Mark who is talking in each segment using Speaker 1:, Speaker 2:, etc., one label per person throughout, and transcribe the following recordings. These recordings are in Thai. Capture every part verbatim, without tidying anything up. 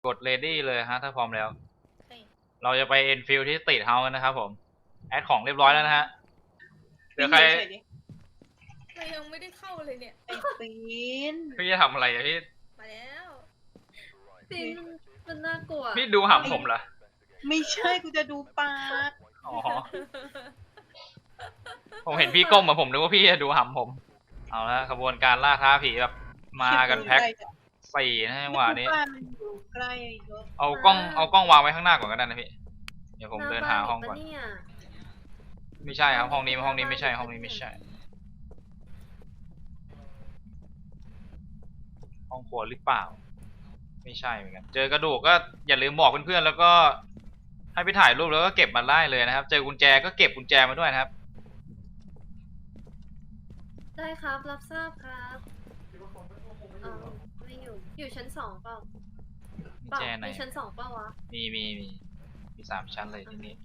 Speaker 1: กด ready เลยฮะถ้าพร้อมแล้ว
Speaker 2: เฮ้ย
Speaker 1: เราจะไป Enfield ที่ Street House กันนะครับผมแอดของเรียบร้อยแล้วนะฮะเดี๋ยวใคร
Speaker 2: เรายังไม่ได้เข้าเลยเนี่ย
Speaker 3: ไอ้ปีน
Speaker 1: พี่จะทำอะไรอะพี่
Speaker 2: มาแล้ว
Speaker 4: ปีนมันมันน่ากลัว
Speaker 1: พี่ดูหำผมเหรอ
Speaker 3: ไม่ใช่กูจะดูปาก
Speaker 1: อ๋อผมเห็นพี่ก้มมาผมนึกว่าพี่จะดูหำผมเอาละขบวนการล่าท้าผีแบบมากันแพ็คสี่นะจังหวะนี้
Speaker 3: บ้านมันอยู่ใกล้เยอะ
Speaker 1: เอากล้องเอากล้องวางไว้ข้างหน้าก่อนก็ได้นะพี่เดี๋ยวผมเดินหาห้องก่อน
Speaker 4: หน้าบ้าปะเย
Speaker 1: ไม่ใช่ครับห้องนี้ห้องนี้ไม่ใช่ห้องนี้ไม่ใช่ห้องครัวหรือเปล่าไม่ใช่เหมือนกันเจอกระดูกก็อย่าลืมบอกเพื่อนๆแล้วก็ให้ไปถ่ายรูปแล้วก็เก็บมาได้เลยนะครับเจอกุญแจก็เก็บกุญแจมาด้วยนะครับ
Speaker 4: ได้ครับรับทราบครับเออไม่อยู่อยู่ชั้นสองเปล่า
Speaker 1: กุญ
Speaker 4: เปล่า
Speaker 1: แจไหน
Speaker 4: มีชั้นสองเปล่าวะ
Speaker 1: มีมีมีมีสามชั้นเลยที่นี่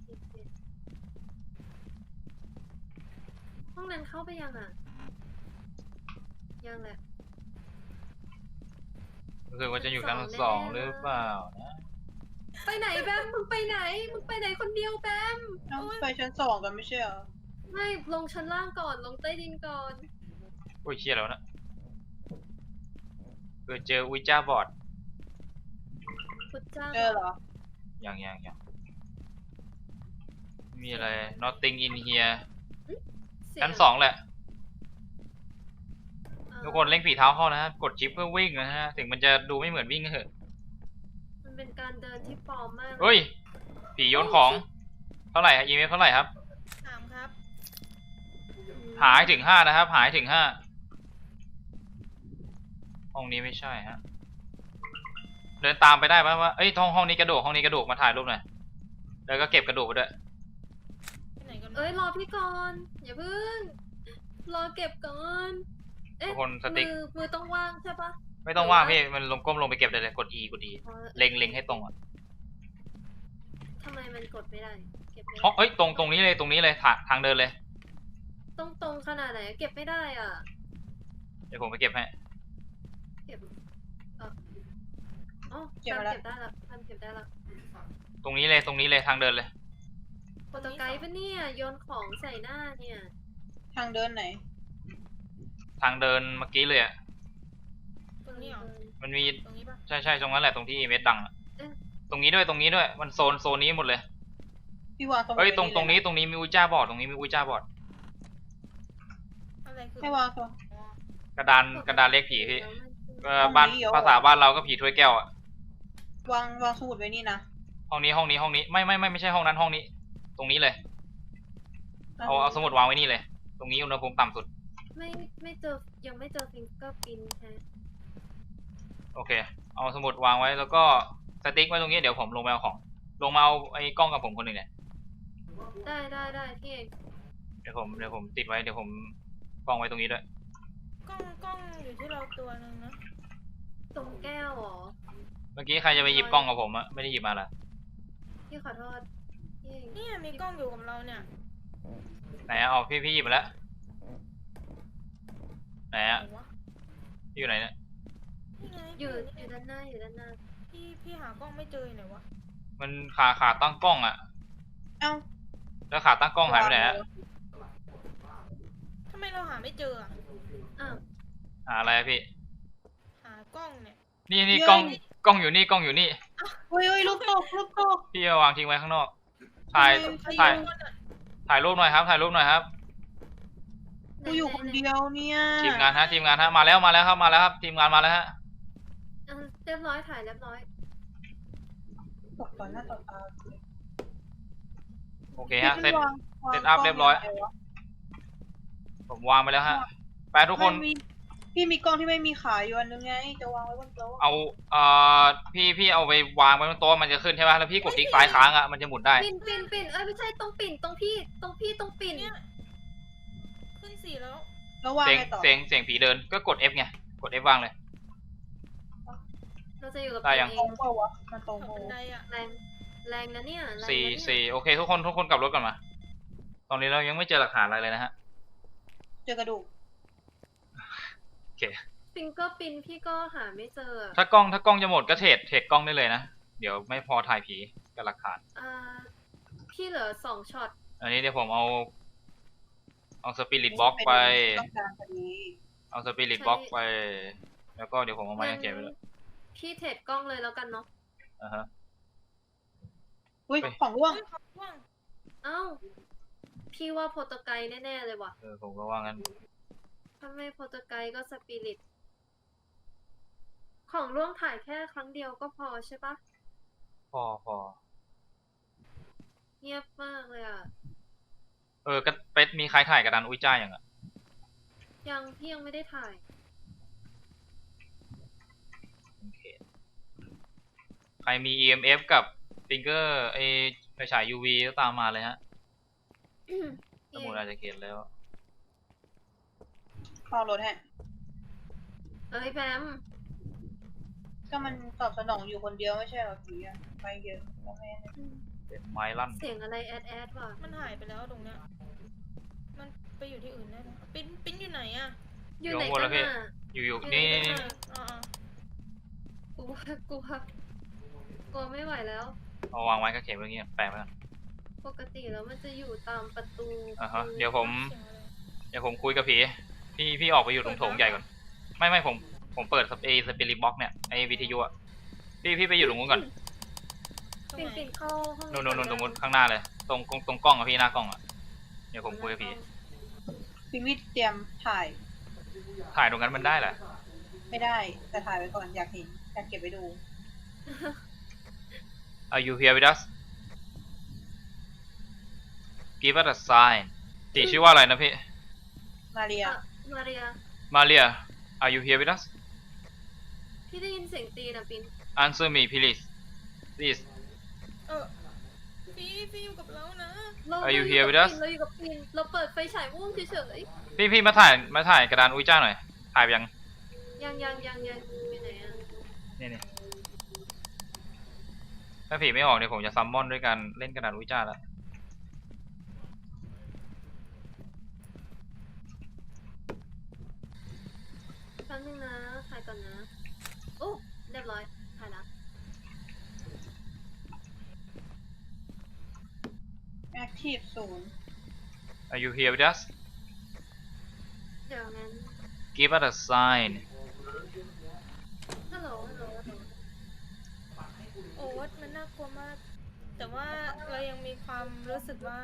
Speaker 4: ห้องนั้นเข้าไปยังอ่ะยังแหละ
Speaker 1: รู้สึกว่าจะอยู่ชั้นสองหรือเปล่านะ
Speaker 4: ไปไหนแบมมึงไปไหนมึงไปไหนคนเดียวแบม
Speaker 3: ต้องไปชั้นสองกันไม่ใช่เหรอ
Speaker 4: ไม่ลงชั้นล่างก่อนลงใต้ดินก่อน
Speaker 1: โอ้ยเชี่ยแล้วนะเออเจอวิจ้าบอร์ด
Speaker 4: พุทธเจ้า
Speaker 3: เจอเหรอ
Speaker 1: อย่างอย่างอย่างมีอะไร nothing in here
Speaker 4: เสีย
Speaker 1: ชั้นสองแหละ
Speaker 4: เอ่อ
Speaker 1: ทุกคนเล่งฝีเท้าเข้านะฮะกดชิปเพื่อวิ่งนะฮะถึงมันจะดูไม่เหมือนวิ่งก็เถอะ
Speaker 4: มันเป็นการเดินที่ปลอมมาก
Speaker 1: เฮ้ยผีโยนของเท่าไหร่ฮะอีเมลเท่าไหร่ครับ
Speaker 2: ถามครับ
Speaker 1: หายถึงห้านะครับ หายถึงห้าห้องนี้ไม่ใช่ฮะเดินตามไปได้ปะว่าเอ้ยห้องห้องนี้กระดูกห้องนี้กระดูกมาถ่ายรูปหน่อยแล้วก็เก็บกระดูกไปด้วย
Speaker 2: ไปไหนกัน
Speaker 4: เอ้ยรอพี่ก่อนอย่าเพิ่งรอเก็บก่อนเอ๊ะ
Speaker 1: ทุกคนสติ๊ก
Speaker 4: มือมือต้องว่างใช่ปะ
Speaker 1: ไม่ต้องว่างพี่มันลงก้มลงไปเก็บได้เลยกด E กด E
Speaker 4: อ๋อ
Speaker 1: เล็งเล็งให้ตรงอ่ะ
Speaker 4: ทำไมมันกดไม่ได้เก็บไม่ได้
Speaker 1: ห้องเอ้ยตรงตรงนี้เลยตรงนี้เลยทางทางเดินเลย
Speaker 4: ต้องตรงขนาดไหนเก็บไม่ได้อ่ะ
Speaker 1: เดี๋ยวผมไปเก็บให้
Speaker 4: เก็บเอออ๋อทำเก็บได้ละทำเก็บได้ละ
Speaker 1: ตรงนี้เลยตรงนี้เลยทางเดินเลย
Speaker 4: โปรโตไกด์ปะเนี่ยโยนของใส่หน้าเนี่ย
Speaker 3: ทางเดินไหน
Speaker 1: ทางเดินเมื่อกี้เลยอ่ะ
Speaker 2: ตรงนี้เหรอ
Speaker 1: มันมี
Speaker 2: ตรงนี้ปะ
Speaker 1: ใช่ใช่ตรงนั้นแหละตรงที่เมดดังอะ
Speaker 4: เอ๊ะ
Speaker 1: ตรงนี้ด้วยตรงนี้ด้วยมันโซนโซนนี้หมดเลย
Speaker 3: พี่วางสมุด
Speaker 1: เฮ้ยตรง
Speaker 3: ไว้
Speaker 1: ตรงนี้ตรงนี้มีอุจจาบอร์ดตรงนี้มีอุจจาบอร์ด
Speaker 2: อะไรคือ
Speaker 3: ให้วางตัว
Speaker 2: อ๋อก
Speaker 1: ระดานกระดานเล็กผีพี่
Speaker 4: แล้วมัน
Speaker 1: เออบ้าน
Speaker 3: ห้องนี้เหรอ
Speaker 1: ภาษาบ้านเราก็ผีถ้วยแก้วอ่ะ
Speaker 3: วางวางสมุดไว้นี่นะ
Speaker 1: ห้องนี้ห้องนี้ห้องนี้ไม่ไม่ไม่ไม่ใช่ห้องนั้นห้องนี้ ตรงนี้เลยเอาเอาสมุดวางไว้นี่เลย ตรงนี้อุณหภูมิต่ำสุด
Speaker 4: ไม่ไม่เจอยังไม่เจอฟิงเกอร์พินฮะ
Speaker 1: โอเค เอาสมุดวางไว้แล้วก็สติ๊กไว้ตรงนี้เดี๋ยวผมลงไปเอาของ ลงมาเอาไอ้กล้องกับผมคนหนึ่งเนี่ย
Speaker 4: ได้ได้ได้พี่เอง
Speaker 1: เดี๋ยวผมเดี๋ยวผมติดไว้เดี๋ยวผมกล้องไว้ตรงนี้ด้วย
Speaker 2: กล้องกล้องอยู่ที่เราตัวหนึงนะ
Speaker 4: ตรงแก้วเหรอ
Speaker 1: เมื่อกี้ใครจะไปหยิบกล้องกับผมอะไม่ได้หยิบมาละ
Speaker 4: พี่ขอโทษพี่เอง
Speaker 2: เนี่ยมีกล้องอยู่กับเราเนี่ย
Speaker 1: ไหนอะเอาพี่พี่หยิบมาแล้วไหนอะ
Speaker 2: ไหนวะ
Speaker 1: พี่อยู่ไหนเนี่ย
Speaker 2: นี่ไง
Speaker 4: อยู่
Speaker 2: นี่
Speaker 4: อยู่ด้านหน้าอยู่ด้านหน้า
Speaker 2: พี่พี่หากล้องไม่เจออยู่ไหนวะ
Speaker 1: มันขาขาตั้งกล้องอะ
Speaker 3: เอ้า
Speaker 1: แล้วขาตั้งกล้องหายไปไหนอะ
Speaker 2: ทำไมเราหาไม่เจออะ
Speaker 4: อ้าว
Speaker 1: หาอะไรอะพี่
Speaker 2: หากล้องเนี่ย
Speaker 1: นี่นี่กล้องกล้องอยู่นี่กล้องอยู่นี่
Speaker 3: เฮ้ยเฮ้ยลูกตกลูกตก
Speaker 1: พี่เอาวางทิ้งไว้ข้างนอก ถ่าย
Speaker 3: ทำไม
Speaker 1: ถ่าย
Speaker 2: ใครอยู่บนอะ
Speaker 1: ถ่ายรูปหน่อยครับถ่ายรูปหน่อยครับ
Speaker 3: กูอยู่คนเดียวเนี่ย
Speaker 1: ทีมงานฮะทีมงานฮะมาแล้วมาแล้วครับมาแล้วครับทีมงานมาแล้วฮะ
Speaker 4: อ่ะเรียบร้อยถ่ายเรียบร้อย
Speaker 3: ตกต่อหน้าต่อตา
Speaker 1: โอเคฮะเสร็จ
Speaker 3: วางวาง
Speaker 1: เสร็จอัพ
Speaker 3: กล้ง
Speaker 1: เรียบร้อย
Speaker 3: งไงวะ
Speaker 1: ผมวางไปแล้วฮะไปทุกคน
Speaker 3: ไม่มีพี่มีกล้องที่ไม่มีขาอยู่อันนึงไงจะวางไว้บนโต๊ะ
Speaker 1: เอาเอ่อพี่พี่เอาไปวางไว้บนโต๊ะมันจะขึ้นใช่ไหมแล้วพี่กดคลิกซ้ายค้างอ่ะมันจะหมุนได้
Speaker 4: ปิ่นปิ่นปิ่นเอ้ยไม่ใช่ตรงปิ่นตรงพี่ตรงพี่ตรงปิ่น
Speaker 2: เนี่ยขึ้นสี่แล้ว
Speaker 3: แล้ววาง
Speaker 1: เสียง
Speaker 3: ไงต่อ
Speaker 1: เสียงเสียงผีเดินก็กด F ไงกด F วางเลย
Speaker 4: เราจะอยู่กับ
Speaker 1: ได้
Speaker 4: ปิ่น
Speaker 1: ยัง
Speaker 4: เอ
Speaker 3: ตรง งเปล่าวะมันตรง
Speaker 2: ขับ
Speaker 3: โม
Speaker 2: บันไดอะ
Speaker 4: แรงแรงนะเนี่ยแรงนะ
Speaker 1: สี่
Speaker 4: เนี่ย
Speaker 1: สี่โอเคทุกคนทุกคนกลับรถก่อนมา ตอนนี้เรายังไม่เจอหลักฐานอะไรเลยนะฮะ
Speaker 3: เจอกระดูก
Speaker 1: โอเค
Speaker 4: ฟิงเกอร์ปินพี่ก็หาไม่เจออะ
Speaker 1: ถ้ากล้องถ้ากล้องจะหมดก็เทรดเทรดกล้องได้เลยนะเดี๋ยวไม่พอถ่ายผีกับหลักฐาน
Speaker 4: อ่าพี่เหลือสองช็อต
Speaker 1: อันนี้เดี๋ยวผมเอาเอาสปิริตบ็อกไป
Speaker 3: ต้องการพอดี
Speaker 1: เอาสปิริตบ็อกไป แล้วก็เดี๋ยวผมเอาไม้กางเขนไปเลย
Speaker 4: พี่เทรดกล้องเลยแล้วกันเนาะ
Speaker 1: อ่าฮะ
Speaker 3: อุ้ย
Speaker 1: ไป
Speaker 3: ของร่วง
Speaker 2: เฮ้ยเขาว่าง
Speaker 4: เอ้าพี่ว่าโปรโตไกด์แน่ๆเลยว่ะ
Speaker 1: เออผมก็ว่างั้น
Speaker 4: ถ้าไม่โปรโตไกด์ก็สปิริตของร่วงถ่ายแค่ครั้งเดียวก็พอใช่ปะ
Speaker 1: พอพอ
Speaker 4: เงียบมากเลยอ่ะ
Speaker 1: เออก็เป็ดมีใครถ่ายกระดานอุ้ยจ้าอย่างอ่ะ
Speaker 4: ยังพี่ยังไม่ได้ถ่าย
Speaker 1: โอเคใครมี อี เอ็ม เอฟ กับฟิงเกอร์ไอไฟฉาย ยู วี ก็ตามมาเลยฮะสมุดอาจจะเขียนแล้ว
Speaker 3: คอรถฮะ
Speaker 4: เอ้ยแบม
Speaker 3: ก็มันตอบสนองอยู่คนเดียวไม่ใช่เหรอผีอะไปเยอะแล้วแม่เนี่ย
Speaker 1: เป็นไม้ลั่น
Speaker 4: เสียงอะไรแอดแอดว่ะ
Speaker 2: มันหายไปแล้วตรงเนี้ย มันไปอยู่ที่อื่นแน่เลยปิ้นปิ้นอยู่ไหนอะ
Speaker 4: อยู่ไหน
Speaker 1: อยู่ข้างบน
Speaker 4: กั
Speaker 1: แล้วพี่
Speaker 4: นอ่ะ
Speaker 1: อยู่อยู่
Speaker 4: อยู่ไหน
Speaker 1: นี่
Speaker 4: กั
Speaker 1: นี่
Speaker 4: น
Speaker 1: นี่
Speaker 4: อ่ะ
Speaker 2: อ่าก
Speaker 4: ลัวกลัวกลัวไม่ไหวแล้ว
Speaker 1: เอาวางไว้ก็เขียนไว้อย่างเงี้ยแปะไว้ก่อน
Speaker 4: ปกติแล้วมันจะอยู่ตามประตู
Speaker 1: อ่าฮะเดี๋ยวผม
Speaker 2: เสียงอะไร
Speaker 1: เดี๋ยวผมคุยกับผี พี่พี่ออกไปอยู่ตรงโถงใหญ่ก่อน ไม่ไม่ผมผมเปิดสเปรย์สปิริตบ็อกเนี่ยไอวิทยุอ่ะ พี่พี่ไปอยู่ตรงนู้นก่อน
Speaker 2: ตรง
Speaker 4: ปิ่น
Speaker 2: ไหน
Speaker 4: ปิ่นเข้าห้อง
Speaker 1: นู่นนู่นนู่นตรงนู้นข้างหน้าเลย ตรงตรงตรงกล้องอะพี่หน้ากล้องอะเดี๋ยวผมคุยกับผี
Speaker 3: พิมิตเตรียมถ่าย
Speaker 1: ถ่ายตรงนั้นมันได้เหรอ
Speaker 3: ไม่ได้แต่ถ่ายไว้ก่อนอยากเห็นอยากเก็บไว้ดู
Speaker 1: Are you here with us Give us a sign ตีชื่อว่าอะไรนะพี่
Speaker 3: มาเรีย
Speaker 4: อ่ะมาเรีย
Speaker 1: Maria Are you here with us
Speaker 4: พี่ได้ยินเสียงตีนะปิ่น
Speaker 1: Answer me please please
Speaker 2: เออพี่พี่อยู่กับเรานะ
Speaker 4: เรา
Speaker 1: Are you
Speaker 4: เรา
Speaker 1: here
Speaker 4: กับ
Speaker 1: with us?
Speaker 4: ปิ่นเราอยู่กับปิ่นเราเปิดไฟฉายม่วงเฉย
Speaker 1: พี่พี่มาถ่ายมาถ่ายกระดานอุ้ยจ้าหน่อย ถ่ายไปยัง
Speaker 4: ๆยังยังยังยังไปไหนอ่ะ
Speaker 1: นี่นี่ถ้าผีไม่ออกเนี่ยผมจะซัมมอนด้วยการเล่นกระดานอุ้ยจ้าแล้ว
Speaker 4: แป๊บนึงนะถ่ายก่อนนะโอ้เรียบร้อยถ่ายละ
Speaker 3: แอคทีฟศูนย์
Speaker 1: Are you here with us
Speaker 4: เดี๋ยวงั้น
Speaker 1: Give us a sign
Speaker 4: ฮัลโหลฮัลโหลฮัลโหล
Speaker 2: โอ๊ตมันน่ากลัวมาก แต่ว่าเรายังมีความรู้สึกว่า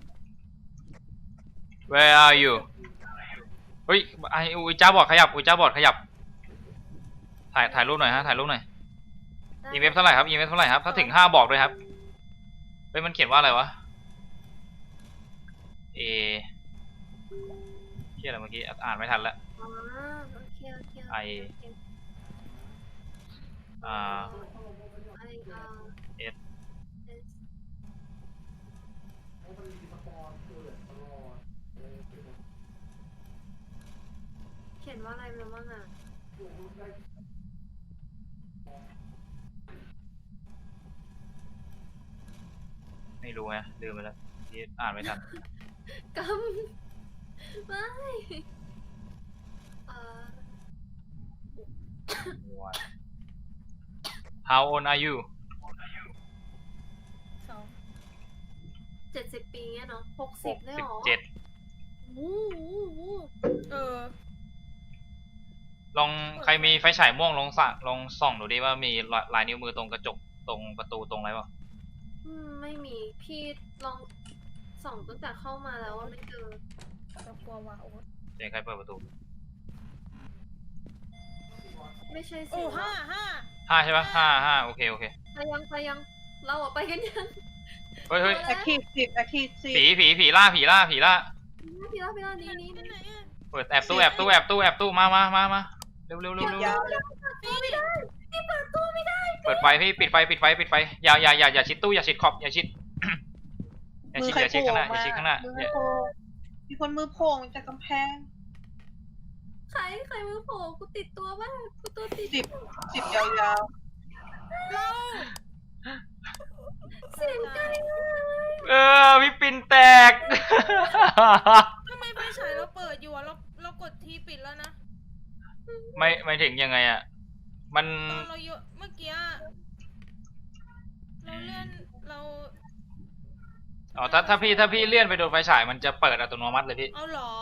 Speaker 1: Where are you เฮ้ยไออุ้ยจ้าบอดขยับอุ้ยจ้าบอดขยับ ถ่ายถ่ายรูปหน่อยฮะถ่ายรูปหน่อย
Speaker 4: ได้
Speaker 1: อีเมฟเท่าไหร่ครับอีเมฟเท่าไหร่ครับ ถ้าถึงห้าบอกด้วยครับเฮ้ยมันเขียนว่าอะไรวะ เอเขียนอะไรเมื่อกี้อ่านไม่ทันแล้ว
Speaker 4: อ๋อโอเคโอเค
Speaker 1: ไอ อ่า
Speaker 4: ไออาร์
Speaker 1: เอส
Speaker 4: เอสเขียนว่าอะไรมาบ้างอ่ะ
Speaker 1: ไม่รู้ไงลืมไปแล้วที่อ่านไม่ทัน
Speaker 4: กำไม่เอ่อ
Speaker 1: How old are you
Speaker 2: สอง
Speaker 4: เจ็ดสิบปีเนี่ยเนาะหก
Speaker 1: ห
Speaker 4: สิบ
Speaker 1: ก
Speaker 4: ได้
Speaker 1: สิ
Speaker 4: ห
Speaker 1: บ
Speaker 4: รอ
Speaker 1: เจ็ด
Speaker 4: วู้วู้วู้
Speaker 2: เออ
Speaker 1: ลองใครมีไฟฉายม่วงลองส่องลองส่องดูดิว่ามีลายนิ้วมือตรงกระจกตรงประตูตรงอะไรเปล่า
Speaker 4: อืมไม่มีพี่ลองส่องตั้งแต่เข้ามาแล้วว่าไม่เจอ
Speaker 2: เรากลัวว่ะโอ๊ต
Speaker 1: เสียงใครเปิดประตู
Speaker 4: ไม่ใช่
Speaker 2: โอ้
Speaker 4: สิ
Speaker 2: ห้าห้า
Speaker 1: ห้าใช่ปะห้าห้าโอเคโอเค
Speaker 4: ไปยังไปยังเราอะไปกันยัง
Speaker 1: เฮ้ยเฮ้ย
Speaker 3: แอคทีฟสิบแอคทีฟสิบ
Speaker 1: ผีผีผีล่าผีล่าผีล่า
Speaker 4: พี่ล่าพี่ล่านี้นี้
Speaker 2: ที่ไหนอะ
Speaker 1: เปิดแอบตู้แอบตู้แอบตู้แอบตู้มามามามาเร็วเร็วเร็วเร็ว
Speaker 3: ยาวเลย
Speaker 2: พี่
Speaker 4: พี่เปิดตู้ไม่ได้
Speaker 1: เปิดไฟพี่ปิดไฟปิดไฟปิดไฟอย่าอย่าอย่าอย่าชิดตู้อย่าชิดขอบอย่าชิด อย่า
Speaker 3: มื
Speaker 1: ชิ
Speaker 3: อ
Speaker 1: ด
Speaker 3: ใคร
Speaker 1: อย่าชิด
Speaker 3: โผล่
Speaker 1: ข้างหน้าอย่า
Speaker 3: มา
Speaker 1: ชิดข้างหน้า
Speaker 3: มือ
Speaker 1: อย่า
Speaker 3: โผล่มีคนมือโผล่จากกำแพง
Speaker 4: ใครใครมือโผล่กูติดตัวบ้างกูตัวติด
Speaker 3: สิบสิบยาว
Speaker 2: เรา
Speaker 4: เสียงไกลมากเลย
Speaker 1: เออพี่ปินแตก
Speaker 2: ทำไมไฟฉายเราเปิดอยู่อะเราเรากดทีปิดแล้วนะ
Speaker 1: มไม่ไม่ถึงยังไงอ่ะ มัน
Speaker 2: ตอนเราโยนเมื่อกี้เราเลื่อนเรา
Speaker 1: อ๋อถ้าถ้าพี่ถ้าพี่เลื่อนไปโดนไฟฉายมันจะเปิดอัตโนมัติเลยพี่
Speaker 2: เอาเหรอ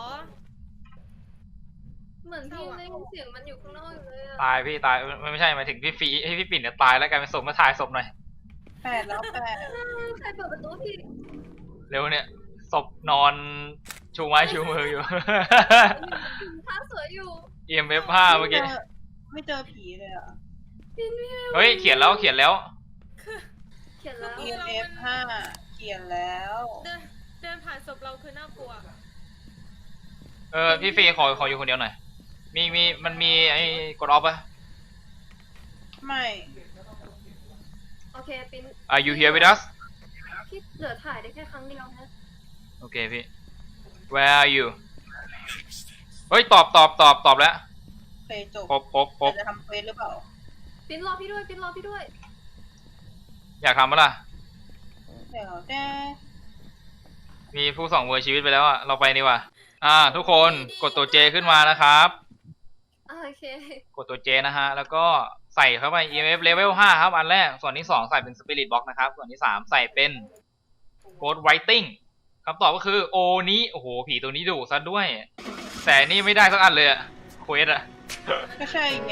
Speaker 4: เหมือนพี่ได้ยินเสียงมันอยู่ข้างนอกอยู่เลยอะ
Speaker 1: ตายพี่ตายไม่ไม่ใช่หมายถึงพี่ฟีให้พี่ปิ่นเนี่ยตายแล้วกลายเป็นศพมาถ่ายศพหน่อย
Speaker 3: แปดแล้วแปด
Speaker 4: ใครเปิดประตูพี่
Speaker 1: เร็วเนี่ยศพนอนชูไม้ชูมืออยู่
Speaker 4: ท่าสวยอยู่
Speaker 1: อี เอ็ม เอฟ ห้าเมื่อกี้
Speaker 3: ไม่เจอผีเลยอ่ะ
Speaker 4: ปินพี่
Speaker 1: เฮ้ยเขียนแล้วเขียนแล้ว
Speaker 4: เขียนแล้ว
Speaker 3: E M F ห้าเขียนแล้ว
Speaker 2: เดินเดินผ่านศพเราคือน่ากลัว
Speaker 1: เออพี่ฟีขอขออยู่คนเดียวหน่อยมีมีมันมีไอ้กดออฟปะ
Speaker 3: ไม่
Speaker 4: โอเคปิน
Speaker 1: Are you here with us
Speaker 4: พี่เหลือถ่ายได้แค่ครั้งเดียวนะ
Speaker 1: โอเคพี่ Where are you เฮ้ยตอบตอบตอบตอบแล้ว
Speaker 3: เคยจบ
Speaker 1: ครบครบครบ
Speaker 3: แต่จะทำเควสหรือเปล่า
Speaker 4: ปินรอพี่ด้วยปินรอพี่ด้วย
Speaker 1: อยากทำปะล่ะ
Speaker 3: เดี๋ยวแต่
Speaker 1: มีผู้สองเวอร์ชีวิตไปแล้วอะเราไปดีกว่าอ่า ทุกคนกดตัวเจขึ้นมานะครับ
Speaker 4: อ่าโอเค
Speaker 1: กดตัวเจนะฮะ แล้วก็ใส่เข้าไป อี เอ็ม เอฟ level ห้าครับ อันแรก ส่วนที่สองใส่เป็น Spirit Box นะครับ ส่วนที่สามใส่เป็น Ghost Writing คำตอบก็คือโอนี้โอ้โห ผีตัวนี้ดุซะด้วย แต่นี่ไม่ได้สักอันเลยอะเควสอะ
Speaker 3: ก็ใช่ไง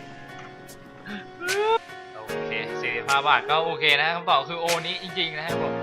Speaker 1: โอเคสี่สิบห้าบาทก็โอเคนะคำตอบคือโอนี้จริงๆนะครับผม